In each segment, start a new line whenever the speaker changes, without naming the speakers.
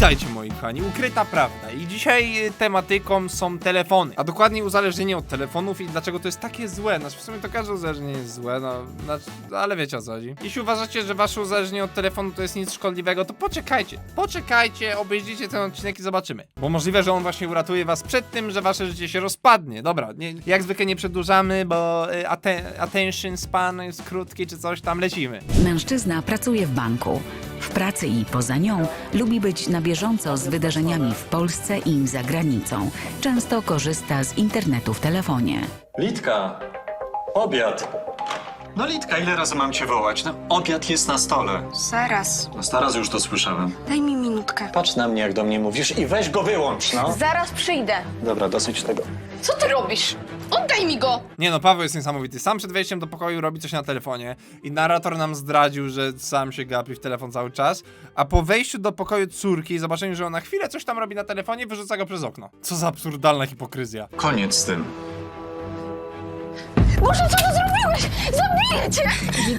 Witajcie moi kochani, ukryta prawda i dzisiaj tematyką są telefony, a dokładnie uzależnienie od telefonów i dlaczego to jest takie złe. Znaczy w sumie to każde uzależnienie jest złe, ale wiecie o co chodzi. Jeśli uważacie, że wasze uzależnienie od telefonu to jest nic szkodliwego, to poczekajcie, obejrzyjcie ten odcinek i zobaczymy. Bo możliwe, że on właśnie uratuje was przed tym, że wasze życie się rozpadnie. Dobra, jak zwykle nie przedłużamy, bo attention span jest krótki czy coś tam, lecimy.
Mężczyzna pracuje w banku. W pracy i poza nią lubi być na bieżąco z wydarzeniami w Polsce i za granicą. Często korzysta z internetu w telefonie.
Litka, obiad. No Litka, ile razy mam cię wołać? No, obiad jest na stole.
Zaraz.
No staraz już to słyszałem.
Daj mi minutkę.
Patrz na mnie, jak do mnie mówisz i weź go wyłącz, no.
Zaraz przyjdę.
Dobra, dosyć tego.
Co ty robisz? Oddaj mi go!
Nie no, Paweł jest niesamowity. Sam przed wejściem do pokoju robi coś na telefonie i narrator nam zdradził, że sam się gapi w telefon cały czas, a po wejściu do pokoju córki i zobaczeniu, że ona chwilę coś tam robi na telefonie, wyrzuca go przez okno. Co za absurdalna hipokryzja.
Koniec z tym.
Boże, co ty zrobiłeś? Zabiję cię!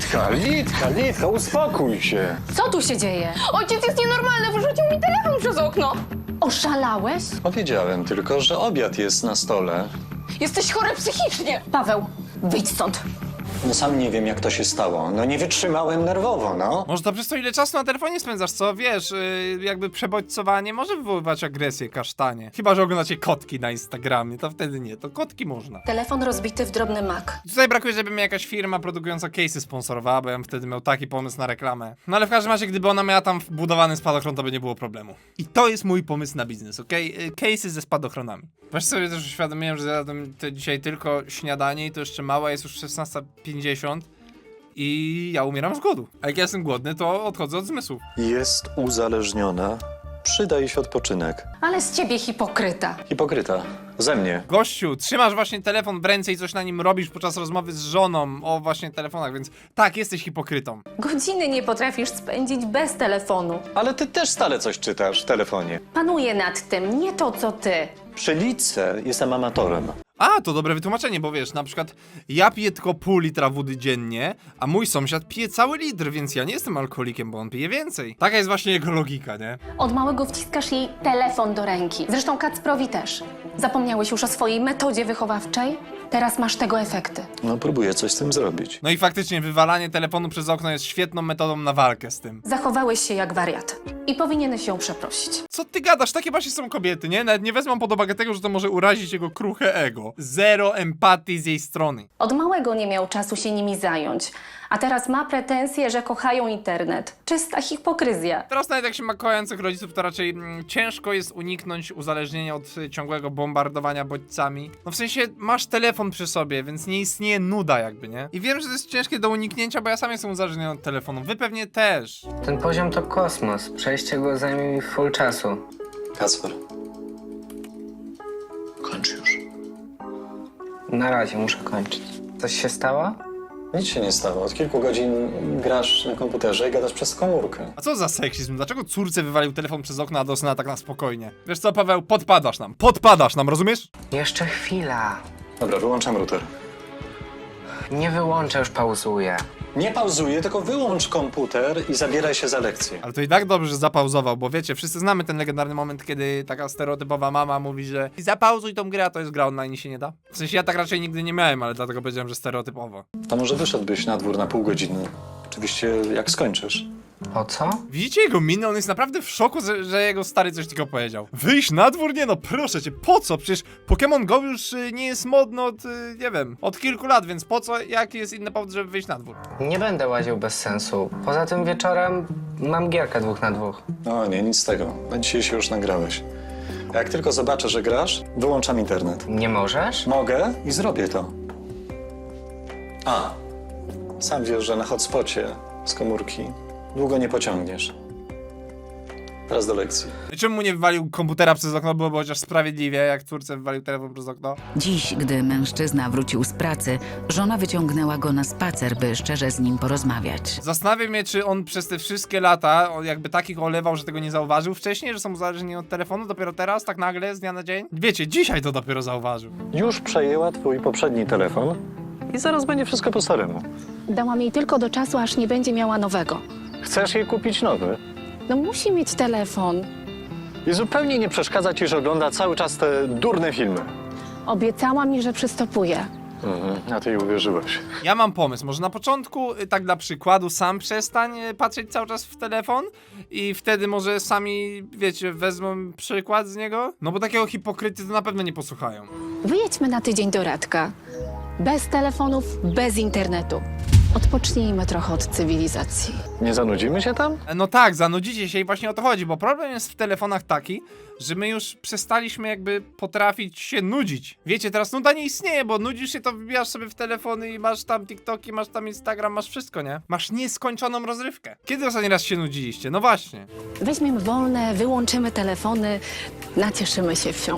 Litka, uspokój się.
Co tu się dzieje?
Ojciec jest nienormalny, wyrzucił mi telefon przez okno.
Oszalałeś?
Powiedziałem tylko, że obiad jest na stole.
Jesteś chory psychicznie.
Paweł, wyjdź stąd.
No sam nie wiem, jak to się stało. No nie wytrzymałem nerwowo, no.
Może to przez to, ile czasu na telefonie spędzasz, co? Wiesz, jakby przebodźcowanie może wywoływać agresję, kasztanie. Chyba, że oglądacie kotki na Instagramie, to wtedy nie, to kotki można.
Telefon rozbity w drobny mak.
Tutaj brakuje, żeby mnie jakaś firma produkująca case'y sponsorowała, bo ja bym wtedy miał taki pomysł na reklamę. No ale w każdym razie, gdyby ona miała tam wbudowany spadochron, to by nie było problemu. I to jest mój pomysł na biznes, okej? Case'y ze spadochronami. Właśnie sobie też uświadomiłem, że zjadłem dzisiaj tylko śniadanie i to jeszcze mała, jest już 16:50 i ja umieram z głodu. A jak ja jestem głodny, to odchodzę od zmysłów.
Jest uzależniona. Przyda jej się odpoczynek.
Ale z ciebie hipokryta.
Hipokryta. Ze mnie.
Gościu, trzymasz właśnie telefon w ręce i coś na nim robisz podczas rozmowy z żoną o właśnie telefonach, więc tak, jesteś hipokrytą.
Godziny nie potrafisz spędzić bez telefonu.
Ale ty też stale coś czytasz w telefonie.
Panuję nad tym, nie to co ty.
Przy Litce jestem amatorem.
A, to dobre wytłumaczenie, bo wiesz, na przykład ja piję tylko pół litra wody dziennie, a mój sąsiad pije cały litr, więc ja nie jestem alkoholikiem, bo on pije więcej. Taka jest właśnie jego logika, nie?
Od małego wciskasz jej telefon do ręki. Zresztą Kacprowi też. Zapomniałeś już o swojej metodzie wychowawczej? Teraz masz tego efekty.
No próbuję coś z tym zrobić.
No i faktycznie wywalanie telefonu przez okno jest świetną metodą na walkę z tym.
Zachowałeś się jak wariat. I powinieneś ją przeprosić.
Co ty gadasz? Takie właśnie są kobiety, nie? Nawet nie wezmą pod uwagę tego, że to może urazić jego kruche ego. Zero empatii z jej strony.
Od małego nie miał czasu się nimi zająć. A teraz ma pretensje, że kochają internet. Czysta hipokryzja.
Teraz nawet jak się ma kochających rodziców, to raczej ciężko jest uniknąć uzależnienia od ciągłego bombardowania bodźcami. No w sensie masz telefon przy sobie, więc nie istnieje nuda jakby, nie? I wiem, że to jest ciężkie do uniknięcia, bo ja sam jestem uzależniony od telefonu. Wy pewnie też.
Ten poziom to kosmos. Przejście go zajmie mi full czasu.
Kacper. Kończ już.
Na razie muszę kończyć. Coś się stało?
Nic się nie stało. Od kilku godzin grasz na komputerze i gadasz przez komórkę.
A co za seksizm? Dlaczego córce wywalił telefon przez okno, a do syna tak na spokojnie? Wiesz co, Paweł? Podpadasz nam, rozumiesz?
Jeszcze chwila.
Dobra, wyłączam router.
Nie wyłączę, już pauzuję.
Nie pauzuję, tylko wyłącz komputer i zabieraj się za lekcję.
Ale to i tak dobrze, że zapauzował, bo wiecie, wszyscy znamy ten legendarny moment, kiedy taka stereotypowa mama mówi, że zapauzuj tą grę, a to jest gra online i się nie da. W sensie ja tak raczej nigdy nie miałem, ale dlatego powiedziałem, że stereotypowo.
To może wyszedłbyś na dwór na pół godziny. Oczywiście jak skończysz.
Po co?
Widzicie jego minę? On jest naprawdę w szoku, że jego stary coś tylko powiedział. Wyjść na dwór? Nie no, proszę cię, po co? Przecież Pokémon Go już nie jest modny od, nie wiem, od kilku lat, więc po co? Jaki jest inny powód, żeby wyjść na dwór?
Nie będę łaził bez sensu. Poza tym wieczorem mam gierkę 2 na 2.
No nie, nic z tego. Na dzisiaj się już nagrałeś. A jak tylko zobaczę, że grasz, wyłączam internet.
Nie możesz?
Mogę i zrobię to. A, sam wiesz, że na hotspocie z komórki długo nie pociągniesz. Teraz do lekcji.
I czemu mu nie wywalił komputera przez okno? Byłoby chociaż sprawiedliwie, jak córce wywalił telefon przez okno.
Dziś, gdy mężczyzna wrócił z pracy, żona wyciągnęła go na spacer, by szczerze z nim porozmawiać.
Zastanawia mnie, czy on przez te wszystkie lata jakby takich olewał, że tego nie zauważył wcześniej, że są uzależnieni od telefonu, dopiero teraz, tak nagle, z dnia na dzień? Wiecie, dzisiaj to dopiero zauważył.
Już przejęła twój poprzedni telefon i zaraz będzie wszystko po staremu.
Dałam jej tylko do czasu, aż nie będzie miała nowego.
Chcesz jej kupić nowy?
No musi mieć telefon.
I zupełnie nie przeszkadza ci, że ogląda cały czas te durne filmy.
Obiecała mi, że przystopuje.
A ty jej uwierzyłeś.
Ja mam pomysł, może na początku, tak dla przykładu, sam przestań patrzeć cały czas w telefon i wtedy może sami, wiecie, wezmą przykład z niego? No bo takiego hipokryty to na pewno nie posłuchają.
Wyjedźmy na tydzień do Radka. Bez telefonów, bez internetu. Odpocznijmy trochę od cywilizacji.
Nie zanudzimy się tam?
No tak, zanudzicie się i właśnie o to chodzi, bo problem jest w telefonach taki, że my już przestaliśmy jakby potrafić się nudzić. Wiecie, teraz nuda nie istnieje, bo nudzisz się, to wbijasz sobie w telefony i masz tam TikToki, masz tam Instagram, masz wszystko, nie? Masz nieskończoną rozrywkę. Kiedy ostatni raz się nudziliście? No właśnie.
Weźmiemy wolne, wyłączymy telefony, nacieszymy się wsią.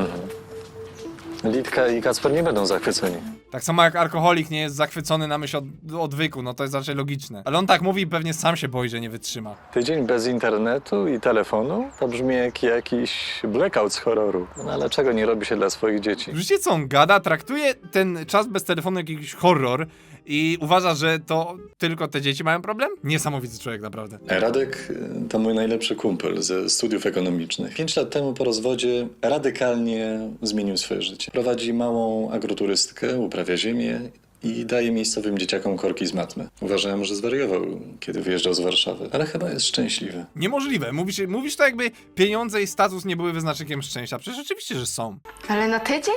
Litka i Kacper nie będą zachwyceni.
Tak samo jak alkoholik nie jest zachwycony na myśl odwyku, no to jest raczej logiczne. Ale on tak mówi i pewnie sam się boi, że nie wytrzyma.
Tydzień bez internetu i telefonu? To brzmi jak jakiś blackout z horroru. No ale czego nie robi się dla swoich dzieci?
Wiecie co on gada? Traktuje ten czas bez telefonu jak jakiś horror i uważa, że to tylko te dzieci mają problem? Niesamowity człowiek, naprawdę.
Radek to mój najlepszy kumpel ze studiów ekonomicznych. 5 lat temu po rozwodzie radykalnie zmienił swoje życie. Prowadzi małą agroturystykę, uprawia ziemię i daje miejscowym dzieciakom korki z matmy. Uważałem, że zwariował, kiedy wyjeżdżał z Warszawy, ale chyba jest szczęśliwy.
Niemożliwe. Mówisz to jakby pieniądze i status nie były wyznacznikiem szczęścia. Przecież oczywiście, że są.
Ale na tydzień?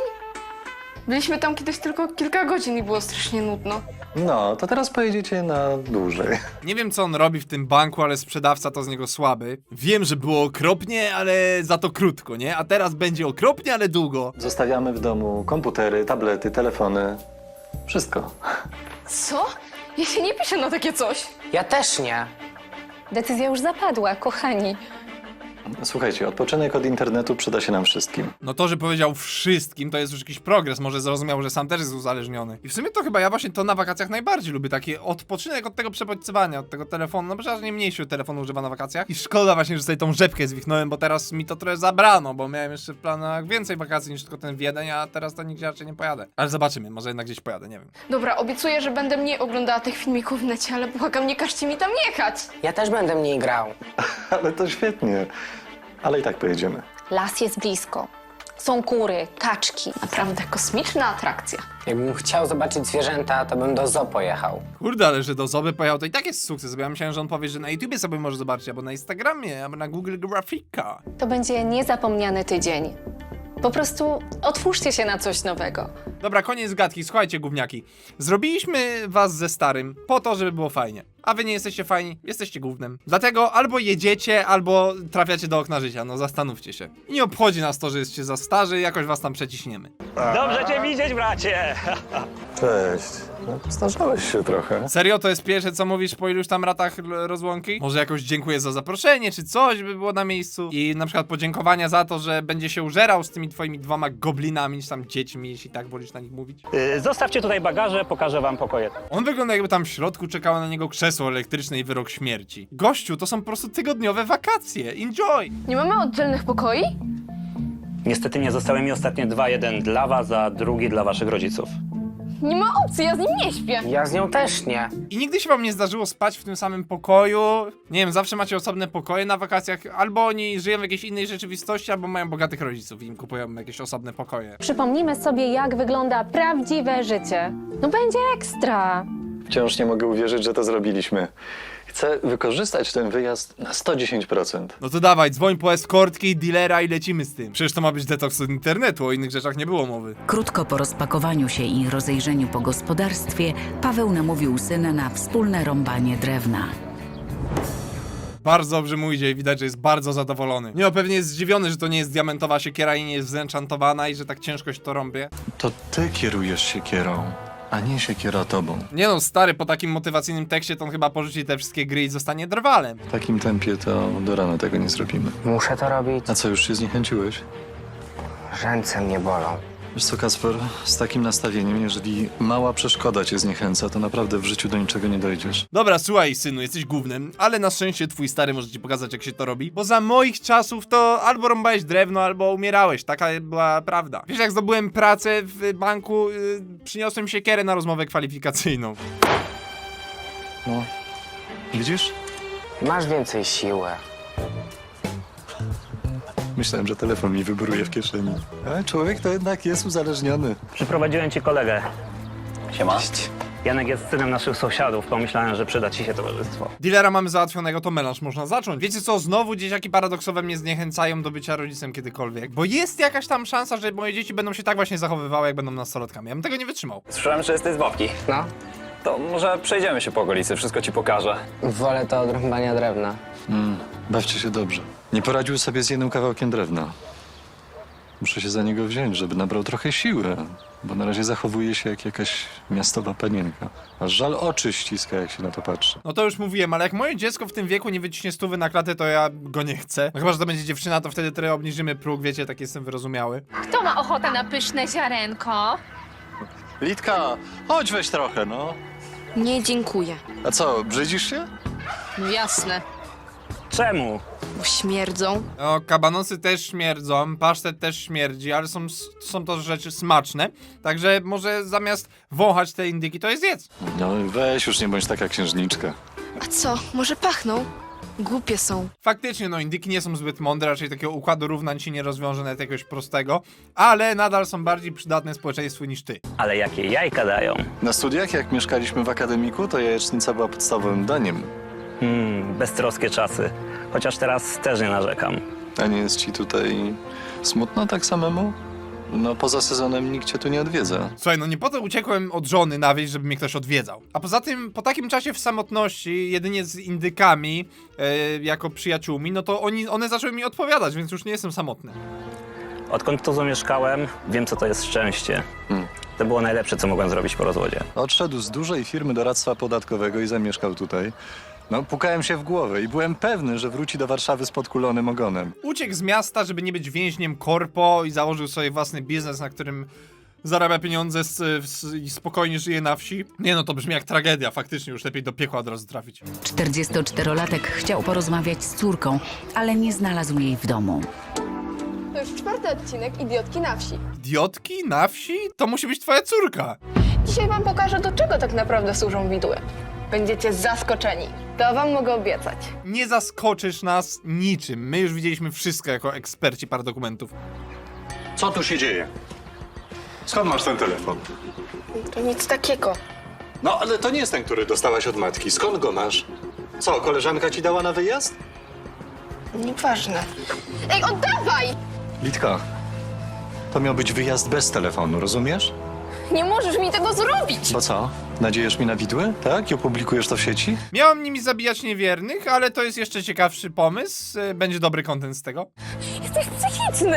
Byliśmy tam kiedyś tylko kilka godzin i było strasznie nudno.
No, to teraz pojedziecie na dłużej.
Nie wiem, co on robi w tym banku, ale sprzedawca to z niego słaby. Wiem, że było okropnie, ale za to krótko, nie? A teraz będzie okropnie, ale długo.
Zostawiamy w domu komputery, tablety, telefony. Wszystko.
Co? Ja się nie piszę na takie coś.
Ja też nie.
Decyzja już zapadła, kochani.
Słuchajcie, odpoczynek od internetu przyda się nam wszystkim.
No to, że powiedział wszystkim, to jest już jakiś progres. Może zrozumiał, że sam też jest uzależniony. I w sumie to chyba ja właśnie to na wakacjach najbardziej lubię. Taki odpoczynek od tego przebodźcowania, od tego telefonu. No przecież nie mniej się telefonu używa na wakacjach. I szkoda właśnie, że sobie tą rzepkę zwichnąłem, bo teraz mi to trochę zabrano, bo miałem jeszcze w planach więcej wakacji niż tylko ten Wiedeń, a teraz to nigdzie raczej nie pojadę. Ale zobaczymy, może jednak gdzieś pojadę, nie wiem.
Dobra, obiecuję, że będę mniej oglądała tych filmików w necie, ale błagam, nie każcie mi tam jechać.
Ja też będę mniej grał.
Ale to świetnie. Ale i tak pojedziemy.
Las jest blisko. Są kury, kaczki.
Naprawdę kosmiczna atrakcja.
Jakbym chciał zobaczyć zwierzęta, to bym do zoo pojechał.
Kurde, ale że do Zoby pojechał, to i tak jest sukces, bo ja myślałem, że on powie, że na YouTubie sobie może zobaczyć, albo na Instagramie, albo na Google Grafika.
To będzie niezapomniany tydzień. Po prostu otwórzcie się na coś nowego.
Dobra, koniec gadki, słuchajcie gówniaki. Zrobiliśmy was ze starym po to, żeby było fajnie. A wy nie jesteście fajni, jesteście gównem. Dlatego albo jedziecie, albo trafiacie do okna życia, no zastanówcie się. I nie obchodzi nas to, że jesteście za starzy, jakoś was tam przeciśniemy.
Dobrze cię widzieć, bracie!
Cześć. No, starzałeś się trochę.
Serio, to jest pierwsze, co mówisz po iluś tam latach rozłąki? Może jakoś dziękuję za zaproszenie, czy coś by było na miejscu? I na przykład podziękowania za to, że będzie się użerał z tymi twoimi 2 goblinami, czy tam dziećmi, jeśli tak wolisz na nich mówić.
Zostawcie tutaj bagaże, pokażę wam pokoje.
On wygląda jakby tam w środku czekało na niego krzesło elektryczne i wyrok śmierci. Gościu, to są po prostu tygodniowe wakacje. Enjoy!
Nie mamy oddzielnych pokoi?
Niestety nie zostały mi ostatnie 2, jeden dla was, a drugi dla waszych rodziców.
Nie ma opcji, ja z nim nie śpię.
Ja z nią też nie.
I nigdy się wam nie zdarzyło spać w tym samym pokoju? Nie wiem, zawsze macie osobne pokoje na wakacjach, albo oni żyją w jakiejś innej rzeczywistości, albo mają bogatych rodziców i im kupują jakieś osobne pokoje.
Przypomnimy sobie, jak wygląda prawdziwe życie. No będzie ekstra.
Wciąż nie mogę uwierzyć, że to zrobiliśmy. Chcę wykorzystać ten wyjazd na 110%.
No to dawaj, dzwoń po eskortki, dealera i lecimy z tym. Przecież to ma być detoks od internetu, o innych rzeczach nie było mowy.
Krótko po rozpakowaniu się i rozejrzeniu po gospodarstwie, Paweł namówił syna na wspólne rąbanie drewna.
Bardzo dobrze mu idzie i widać, że jest bardzo zadowolony. Nie, no pewnie jest zdziwiony, że to nie jest diamentowa siekiera i nie jest zenchantowana i że tak ciężko się to rąbie.
To ty kierujesz siekierą, a nie siekiera tobą.
Nie no, stary, po takim motywacyjnym tekście to on chyba porzuci te wszystkie gry i zostanie drwalem.
W takim tempie to do rana tego nie zrobimy.
Muszę to robić.
A co, już się zniechęciłeś?
Ręce mnie bolą.
Wiesz co, Kacper, z takim nastawieniem, jeżeli mała przeszkoda cię zniechęca, to naprawdę w życiu do niczego nie dojdziesz.
Dobra, słuchaj, synu, jesteś gównem, ale na szczęście twój stary może ci pokazać, jak się to robi, bo za moich czasów to albo rąbałeś drewno, albo umierałeś. Taka była prawda. Wiesz, jak zdobyłem pracę w banku, przyniosłem siekierę na rozmowę kwalifikacyjną.
No, widzisz?
Masz więcej siły.
Myślałem, że telefon mi wybruje w kieszeni. Ale człowiek to jednak jest uzależniony.
Przyprowadziłem ci kolegę.
Siema.
Janek jest synem naszych sąsiadów. Pomyślałem, że przyda ci się towarzystwo.
Dealera mamy załatwionego, to melanż można zacząć. Wiecie co, znowu dzieciaki paradoksowe mnie zniechęcają do bycia rodzicem kiedykolwiek. Bo jest jakaś tam szansa, że moje dzieci będą się tak właśnie zachowywały, jak będą nastolatkami. Ja bym tego nie wytrzymał.
Słyszałem, że jesteś z babki.
No,
To może przejdziemy się po okolicy, wszystko ci pokażę.
wolę to od rąbania drewna.
Bawcie się dobrze. Nie poradził sobie z jednym kawałkiem drewna. Muszę się za niego wziąć, żeby nabrał trochę siły, bo na razie zachowuje się jak jakaś miastowa panienka. Aż żal oczy ściska, jak się na to patrzy.
No to już mówiłem, ale jak moje dziecko w tym wieku nie wyciśnie 100 na klatę, to ja go nie chcę. No chyba, że to będzie dziewczyna, to wtedy trochę obniżymy próg, wiecie, tak jestem wyrozumiały.
Kto ma ochotę na pyszne ziarenko?
Litka, chodź weź trochę, no.
Nie, dziękuję.
A co, brzydzisz się?
Jasne,
Czemu?
bo śmierdzą.
No, kabanosy też śmierdzą, pasztet też śmierdzi, ale są to rzeczy smaczne. Także może zamiast wąchać te indyki, to je zjedz.
No weź, już nie bądź taka księżniczka.
A co, może pachną? Głupie są.
Faktycznie, no indyki nie są zbyt mądre, raczej takiego układu równań ci nie rozwiąże nawet jakiegoś prostego, ale nadal są bardziej przydatne społeczeństwu niż ty.
Ale jakie jajka dają?
Na studiach, jak mieszkaliśmy w akademiku, to jajecznica była podstawowym daniem.
Beztroskie czasy. Chociaż teraz też nie narzekam.
A nie jest ci tutaj smutno tak samemu? No poza sezonem nikt cię tu nie odwiedza.
Słuchaj, no nie po to uciekłem od żony na wieś, żeby mnie ktoś odwiedzał. A poza tym, po takim czasie w samotności, jedynie z indykami, jako przyjaciółmi, no to one zaczęły mi odpowiadać, więc już nie jestem samotny.
Odkąd tu zamieszkałem, wiem, co to jest szczęście. To było najlepsze, co mogłem zrobić po rozwodzie.
Odszedł z dużej firmy doradztwa podatkowego i zamieszkał tutaj. No, pukałem się w głowę i byłem pewny, że wróci do Warszawy z podkulonym ogonem.
Uciekł z miasta, żeby nie być więźniem korpo i założył sobie własny biznes, na którym zarabia pieniądze i spokojnie żyje na wsi. Nie no, to brzmi jak tragedia, faktycznie już lepiej do piekła od razu trafić.
44-latek chciał porozmawiać z córką, ale nie znalazł jej w domu.
To już 4. odcinek Idiotki na wsi.
Idiotki na wsi? To musi być twoja córka.
Dzisiaj wam pokażę, do czego tak naprawdę służą widły. Będziecie zaskoczeni. To wam mogę obiecać.
Nie zaskoczysz nas niczym. My już widzieliśmy wszystko jako eksperci paradokumentów.
Co tu się dzieje? Skąd masz ten telefon?
To nic takiego.
No, ale to nie jest ten, który dostałaś od matki. Skąd go masz? Co, koleżanka ci dała na wyjazd?
Nieważne. Ej, oddawaj!
Litka, to miał być wyjazd bez telefonu, rozumiesz?
Nie możesz mi tego zrobić!
Bo co? Nadziejesz mi na widły? Tak? I opublikujesz to w sieci?
Miałam nimi zabijać niewiernych, ale to jest jeszcze ciekawszy pomysł. Będzie dobry content z tego.
Jesteś psychiczny!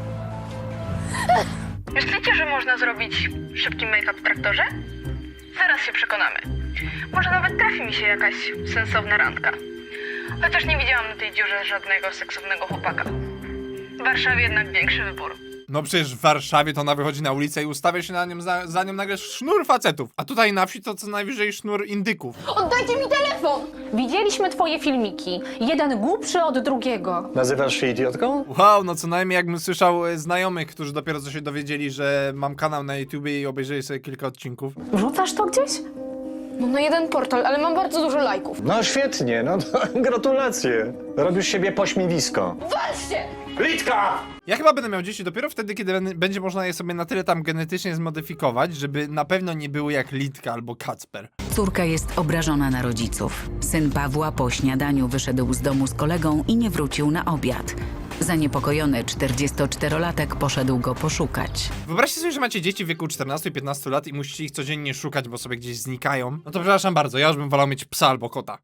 Myślicie, że można zrobić szybki make-up w traktorze? Zaraz się przekonamy. Może nawet trafi mi się jakaś sensowna randka. Chociaż nie widziałam na tej dziurze żadnego seksownego chłopaka. W Warszawie jednak większy wybór.
No przecież w Warszawie to ona wychodzi na ulicę i ustawia się na nią za nią nagle sznur facetów. A tutaj na wsi to co najwyżej sznur indyków.
Oddajcie mi telefon!
Widzieliśmy twoje filmiki. Jeden głupszy od drugiego.
Nazywasz się idiotką?
Wow, no co najmniej jakbym słyszał znajomych, którzy dopiero co się dowiedzieli, że mam kanał na YouTubie i obejrzeli sobie kilka odcinków.
Wrzucasz to gdzieś?
No na jeden portal, ale mam bardzo dużo lajków.
No świetnie, no to gratulacje. Robisz siebie pośmiewisko.
Walcie!
Litka!
Ja chyba będę miał dzieci dopiero wtedy, kiedy będzie można je sobie na tyle tam genetycznie zmodyfikować, żeby na pewno nie były jak Litka albo Kacper.
Córka jest obrażona na rodziców. Syn Pawła po śniadaniu wyszedł z domu z kolegą i nie wrócił na obiad. Zaniepokojony 44-latek poszedł go poszukać.
Wyobraźcie sobie, że macie dzieci w wieku 14 i 15 lat i musicie ich codziennie szukać, bo sobie gdzieś znikają. No to przepraszam bardzo, ja już bym wolał mieć psa albo kota.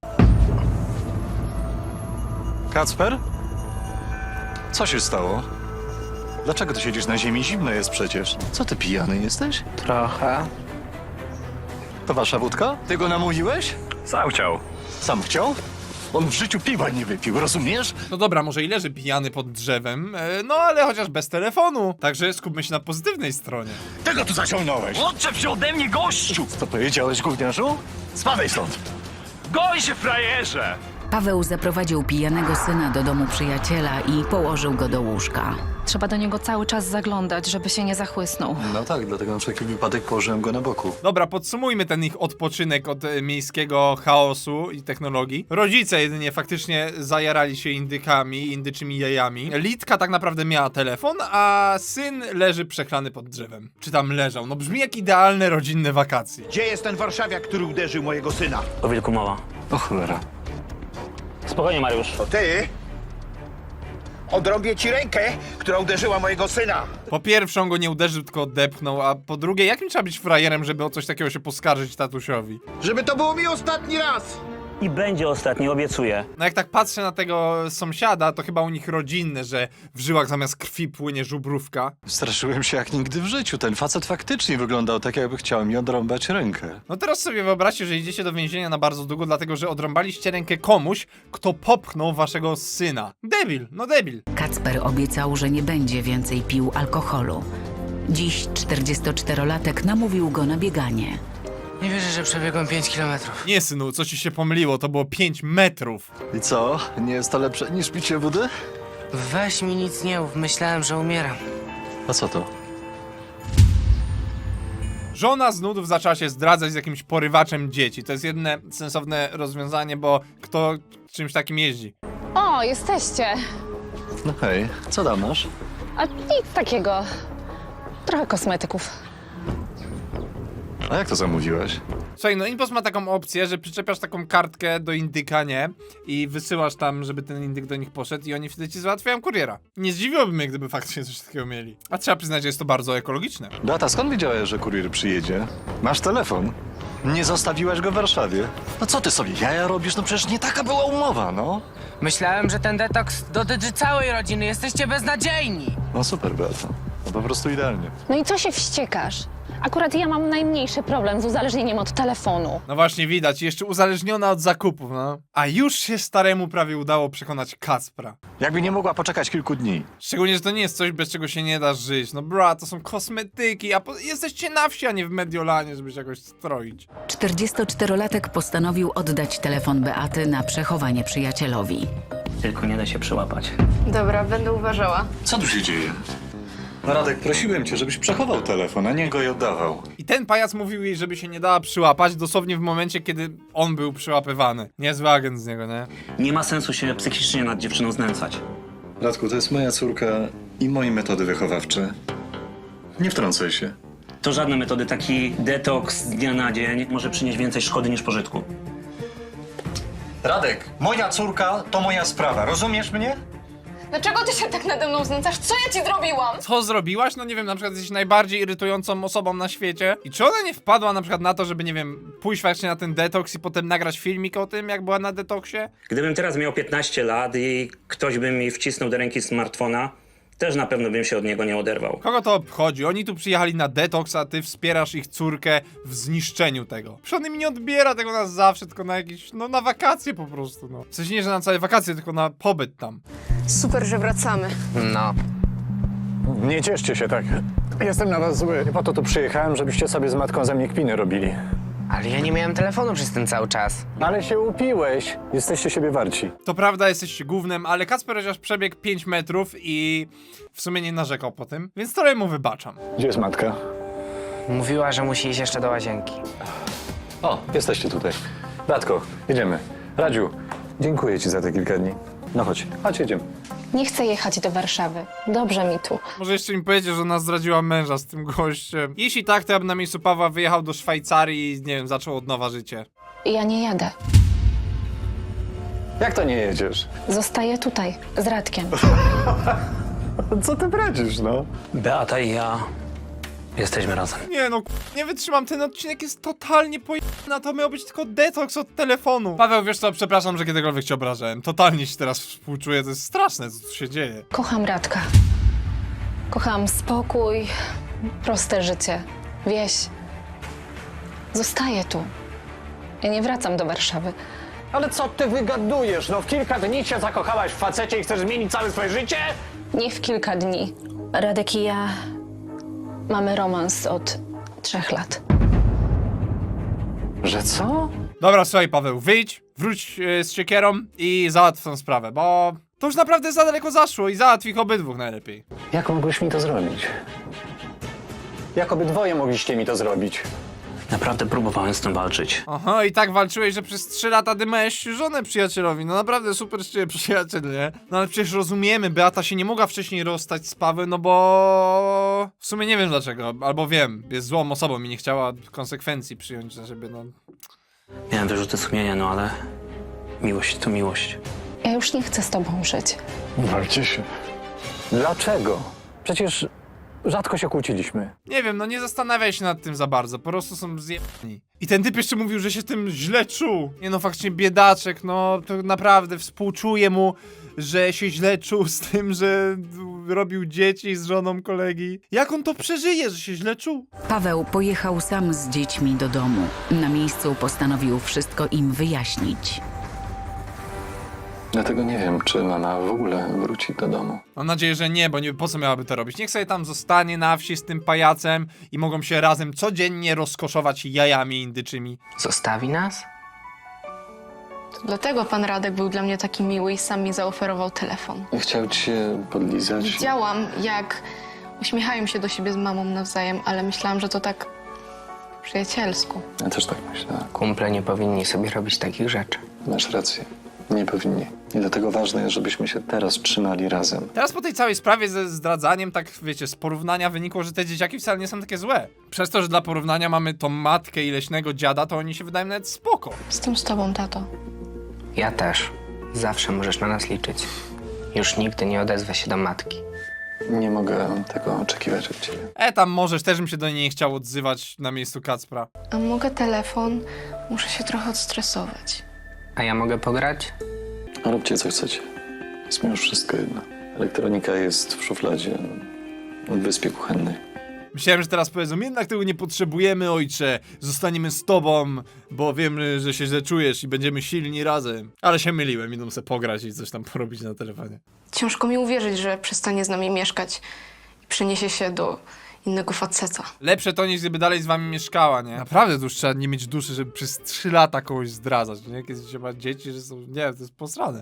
Kacper? Co się stało? Dlaczego ty siedzisz na ziemi? Zimno jest przecież. Co ty, pijany jesteś?
Trochę.
To wasza wódka? Ty go namówiłeś?
Sam chciał.
Sam chciał? On w życiu piwa nie wypił, rozumiesz?
No dobra, może i leży pijany pod drzewem, no ale chociaż bez telefonu. Także skupmy się na pozytywnej stronie.
Tego tu zaciągnąłeś!
Odczep się ode mnie, gościu!
Co powiedziałeś, gówniarzu? Spadaj stąd!
Goj się, frajerze!
Paweł zaprowadził pijanego syna do domu przyjaciela i położył go do łóżka.
Trzeba do niego cały czas zaglądać, żeby się nie zachłysnął.
No tak, dlatego na wszelki wypadek położyłem go na boku.
Dobra, podsumujmy ten ich odpoczynek od miejskiego chaosu i technologii. Rodzice jedynie faktycznie zajarali się indykami, indyczymi jajami. Litka tak naprawdę miała telefon, a syn leży przechlany pod drzewem. Czy tam leżał? No brzmi jak idealne rodzinne wakacje.
Gdzie jest ten warszawiak, który uderzył mojego syna?
O wilku mowa.
O cholera.
Spokojnie, Mariusz.
To ty? Odrobię ci rękę, która uderzyła mojego syna.
Po pierwsze on go nie uderzył, tylko odepchnął, a po drugie jakim trzeba być frajerem, żeby o coś takiego się poskarżyć tatusiowi?
Żeby to było mi ostatni raz.
I będzie ostatni, obiecuję.
No jak tak patrzę na tego sąsiada, to chyba u nich rodzinne, że w żyłach zamiast krwi płynie żubrówka.
Straszyłem się jak nigdy w życiu. Ten facet faktycznie wyglądał tak, jakby chciał mi odrąbać rękę.
No teraz sobie wyobraźcie, że idziecie do więzienia na bardzo długo, dlatego że odrąbaliście rękę komuś, kto popchnął waszego syna. Debil, no debil.
Kacper obiecał, że nie będzie więcej pił alkoholu. Dziś 44-latek namówił go na bieganie.
Nie wierzę, że przebiegłem 5 kilometrów.
Nie synu, co ci się pomyliło, to było 5 metrów.
I co? Nie jest to lepsze niż picie wody?
Weź mi nic nie mów, myślałem, że umieram.
A co to?
Żona z nudów zaczęła się zdradzać z jakimś porywaczem dzieci. To jest jedyne sensowne rozwiązanie, bo kto czymś takim jeździ?
O, jesteście.
No hej, co tam masz?
A nic takiego. Trochę kosmetyków.
A jak to zamówiłeś?
Słuchaj, no Inpost ma taką opcję, że przyczepiasz taką kartkę do indyka, nie? I wysyłasz tam, żeby ten indyk do nich poszedł i oni wtedy ci załatwiają kuriera. Nie zdziwiłoby mnie, gdyby faktycznie coś takiego mieli. A trzeba przyznać, że jest to bardzo ekologiczne.
Beata, skąd wiedziałeś, że kurier przyjedzie? Masz telefon? Nie zostawiłaś go w Warszawie? No co ty sobie jaja robisz? No przecież nie taka była umowa, no.
Myślałem, że ten detoks dotyczy całej rodziny. Jesteście beznadziejni.
No super, Beata. No po prostu idealnie.
No i co się wściekasz? Akurat ja mam najmniejszy problem z uzależnieniem od telefonu.
No właśnie widać, jeszcze uzależniona od zakupów, no. A już się staremu prawie udało przekonać Kacpra.
Jakby nie mogła poczekać kilku dni.
Szczególnie, że to nie jest coś, bez czego się nie da żyć. No bra, to są kosmetyki, a jesteście na wsi, a nie w Mediolanie, żeby się jakoś stroić.
44-latek postanowił oddać telefon Beaty na przechowanie przyjacielowi.
Tylko nie da się przyłapać.
Dobra, będę uważała.
Co tu się dzieje? No Radek, prosiłem cię, żebyś przechował telefon, a nie go i oddawał.
I ten pajac mówił jej, żeby się nie dała przyłapać, dosłownie w momencie, kiedy on był przyłapywany. Niezły agent z niego, nie?
Nie ma sensu się psychicznie nad dziewczyną znęcać.
Radku, to jest moja córka i moje metody wychowawcze. Nie wtrącaj się.
To żadne metody, taki detoks z dnia na dzień może przynieść więcej szkody niż pożytku.
Radek, moja córka to moja sprawa, rozumiesz mnie?
Dlaczego ty się tak nade mną znęcasz? Co ja ci zrobiłam?
Co zrobiłaś? No nie wiem, na przykład jesteś najbardziej irytującą osobą na świecie. I czy ona nie wpadła na przykład na to, żeby, nie wiem, pójść właśnie na ten detoks i potem nagrać filmik o tym, jak była na detoksie?
Gdybym teraz miał 15 lat i ktoś by mi wcisnął do ręki smartfona, też na pewno bym się od niego nie oderwał.
Kogo to obchodzi? Oni tu przyjechali na detoks, a ty wspierasz ich córkę w zniszczeniu tego. Przecież on im nie odbiera tego na zawsze, tylko na jakieś, no na wakacje po prostu, no. W sensie nie, że na całe wakacje, tylko na pobyt tam.
Super, że wracamy.
No.
Nie cieszcie się tak. Jestem na was zły. Po to tu przyjechałem, żebyście sobie z matką ze mnie kpiny robili.
Ale ja nie miałem telefonu przez ten cały czas.
Ale się upiłeś. Jesteście siebie warci.
To prawda, jesteście gównem, ale Kacper chociaż przebiegł 5 metrów i w sumie nie narzekał po tym, więc trochę mu wybaczam.
Gdzie jest matka?
Mówiła, że musi iść jeszcze do łazienki.
O, jesteście tutaj.
Radko, jedziemy. Radziu, dziękuję ci za te kilka dni. No chodź, jedziemy.
Nie chcę jechać do Warszawy. Dobrze mi tu.
Może jeszcze mi powiedzieć, że ona zdradziła męża z tym gościem. Jeśli tak, to ja bym na miejscu Pawła wyjechał do Szwajcarii i, nie wiem, zaczął od nowa życie.
Ja nie jadę.
Jak to nie jedziesz?
Zostaję tutaj, z Radkiem.
Co ty bradzisz, no?
Beata i ja jesteśmy razem.
Nie no, nie wytrzymam, ten odcinek jest totalnie pojebany, to miał być tylko detoks od telefonu. Paweł, wiesz co, przepraszam, że kiedykolwiek cię obrażałem. Totalnie ci teraz współczuję, to jest straszne, co tu się dzieje.
Kocham Radka. Kocham spokój, proste życie, wieś. Zostaję tu. Ja nie wracam do Warszawy.
Ale co ty wygadujesz? No w kilka dni się zakochałaś w facecie i chcesz zmienić całe swoje życie?
Nie w kilka dni. Radek i ja mamy romans od 3 lat.
Że co?
Dobra, słuchaj Paweł, wyjdź, wróć z siekierą i załatw tą sprawę, bo to już naprawdę za daleko zaszło i załatw ich obydwóch najlepiej.
Jak mogłeś mi to zrobić? Jak obydwoje mogliście mi to zrobić?
Naprawdę próbowałem z tym walczyć.
Aha, i tak walczyłeś, że przez 3 lata dymałeś żonę przyjacielowi. No naprawdę super z ciebie przyjaciel, nie? No ale przecież rozumiemy, Beata się nie mogła wcześniej rozstać z Pawłem, no bo... W sumie nie wiem dlaczego, albo wiem, jest złą osobą i nie chciała konsekwencji przyjąć za siebie, no.
Miałem wyrzuty sumienia, no ale miłość to miłość.
Ja już nie chcę z tobą żyć.
Walcie się. Dlaczego? Przecież rzadko się kłóciliśmy.
Nie wiem, no nie zastanawiaj się nad tym za bardzo, po prostu są zjebani. I ten typ jeszcze mówił, że się tym źle czuł. Nie no, faktycznie biedaczek, no to naprawdę współczuję mu, że się źle czuł z tym, że robił dzieci z żoną kolegi. Jak on to przeżyje, że się źle czuł?
Paweł pojechał sam z dziećmi do domu. Na miejscu postanowił wszystko im wyjaśnić.
Dlatego nie wiem, czy mama w ogóle wróci do domu.
Mam nadzieję, że nie, bo nie, po co miałaby to robić? Niech sobie tam zostanie na wsi z tym pajacem i mogą się razem codziennie rozkoszować jajami indyczymi.
Zostawi nas?
To dlatego pan Radek był dla mnie taki miły i sam mi zaoferował telefon.
Chciał ci się podlizać.
Widziałam, jak uśmiechają się do siebie z mamą nawzajem, ale myślałam, że to tak po przyjacielsku.
Ja też tak myślę.
Kumple nie powinni sobie robić takich rzeczy.
Masz rację. Nie powinni. I dlatego ważne jest, żebyśmy się teraz trzymali razem.
Teraz po tej całej sprawie ze zdradzaniem, tak wiecie, z porównania wynikło, że te dzieciaki wcale nie są takie złe. Przez to, że dla porównania mamy tą matkę i leśnego dziada, to oni się wydają nawet spoko.
Jestem z tobą, tato.
Ja też. Zawsze możesz na nas liczyć. Już nigdy nie odezwę się do matki.
Nie mogę tego oczekiwać od ciebie.
Tam możesz, też bym się do niej nie chciał odzywać na miejscu Kacpra.
A mogę telefon? Muszę się trochę odstresować.
A ja mogę pograć?
Róbcie co chcecie. Jest mi już wszystko jedno. Elektronika jest w szufladzie w wyspie kuchennej.
Myślałem, że teraz powiedzą, jednak tego nie potrzebujemy, ojcze. Zostaniemy z tobą, bo wiemy, że się źle czujesz i będziemy silni razem. Ale się myliłem, idą sobie pograć i coś tam porobić na telefonie.
Ciężko mi uwierzyć, że przestanie z nami mieszkać i przeniesie się do innego faceta.
Lepsze to niż gdyby dalej z wami mieszkała, nie? Naprawdę to już trzeba nie mieć duszy, żeby przez 3 lata kogoś zdradzać, nie? Kiedy się ma dzieci, że są... Nie, to jest posrane.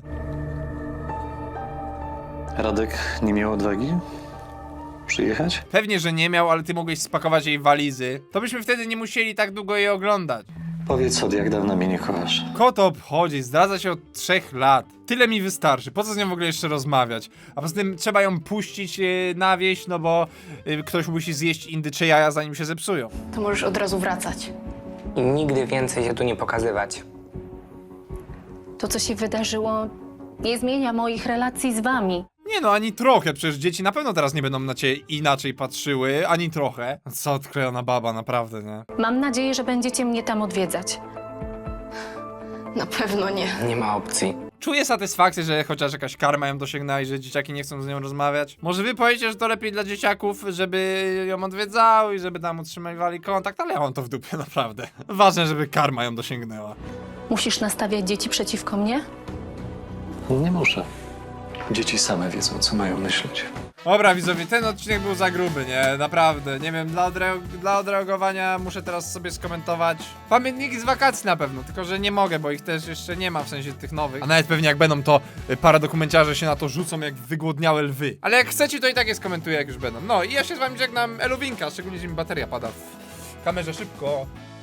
Radek nie miał odwagi przyjechać?
Pewnie, że nie miał, ale ty mogłeś spakować jej walizy. To byśmy wtedy nie musieli tak długo jej oglądać.
Powiedz, od jak dawna mnie nie kochasz?
Kogo to obchodzi? Zdradza się od 3 lat. Tyle mi wystarczy. Po co z nią w ogóle jeszcze rozmawiać? A poza tym trzeba ją puścić na wieś, no bo ktoś musi zjeść indycze jaja, zanim się zepsują.
To możesz od razu wracać.
I nigdy więcej się tu nie pokazywać.
To, co się wydarzyło, nie zmienia moich relacji z wami.
Nie no, ani trochę. Przecież dzieci na pewno teraz nie będą na ciebie inaczej patrzyły. Ani trochę. Co odklejona baba, naprawdę, nie?
Mam nadzieję, że będziecie mnie tam odwiedzać.
Na pewno nie.
Nie ma opcji.
Czuję satysfakcję, że chociaż jakaś karma ją dosięgnęła i że dzieciaki nie chcą z nią rozmawiać. Może wy powiecie, że to lepiej dla dzieciaków, żeby ją odwiedzały i żeby tam utrzymywali kontakt, ale ja mam to w dupie, naprawdę. Ważne, żeby karma ją dosięgnęła.
Musisz nastawiać dzieci przeciwko mnie?
Nie muszę. Dzieci same wiedzą, co mają myśleć.
Dobra widzowie, ten odcinek był za gruby, nie? Naprawdę, nie wiem, dla odreagowania muszę teraz sobie skomentować pamiętniki z wakacji na pewno, tylko że nie mogę, bo ich też jeszcze nie ma, w sensie tych nowych. A nawet pewnie jak będą, to paradokumenciarze się na to rzucą jak wygłodniałe lwy. Ale jak chcecie, to i tak je skomentuję, jak już będą. No i ja się z wami żegnam, eluwinka, szczególnie, że mi bateria pada w kamerze szybko.